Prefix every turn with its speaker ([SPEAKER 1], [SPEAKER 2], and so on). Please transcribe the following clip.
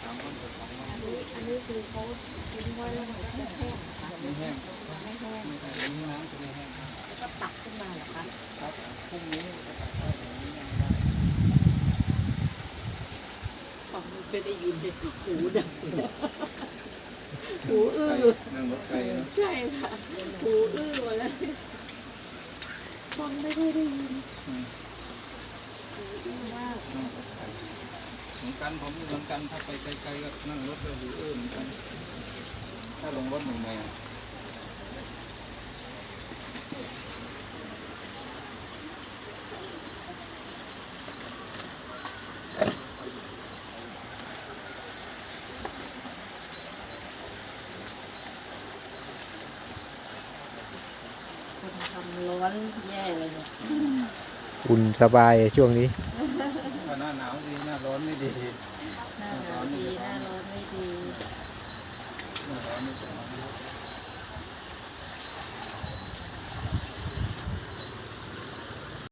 [SPEAKER 1] 3 วันกับ2 วัน
[SPEAKER 2] อันนี้คือเขาทิ้งไว้แล้วมันก็จะแห้งค่ะ
[SPEAKER 1] ไม่แห้ง
[SPEAKER 2] ไม่แห้ง
[SPEAKER 1] ไม่แห้งนี่น้ำจะไม่แห้ง
[SPEAKER 2] แล้วก็ตักขึ้นมาเหรอคะ
[SPEAKER 1] ครับพรุ่งนี้จะตัดได้อย่างนี้ยังได้
[SPEAKER 2] ของมันไม่ได้ยินในหูดังหูอื้อ
[SPEAKER 1] นั่งรถไกลนะ
[SPEAKER 2] ใช่ค่ะหูอื้อหมดแล้วฟังไม่ค่อยได้ยิน
[SPEAKER 1] อืม
[SPEAKER 2] หูอื้อมาก
[SPEAKER 1] นั่งรถไกลเหมือนกันผมเหมือนกันถ้าไปไกลๆก็นั่งรถก็หูอื้อเหมือนกันถ้าลงรถใหม่ๆ
[SPEAKER 2] คนทำร้อนแย่เลยเนี่ย
[SPEAKER 3] อุ่นสบายช่วงนี้
[SPEAKER 1] ถ้าหน้าหนาวดีหน้าร้อนไม่ดี
[SPEAKER 2] หน้าหนาวดีหน้าร้อนไม่ดี
[SPEAKER 1] หน้าร้อนไม่ดี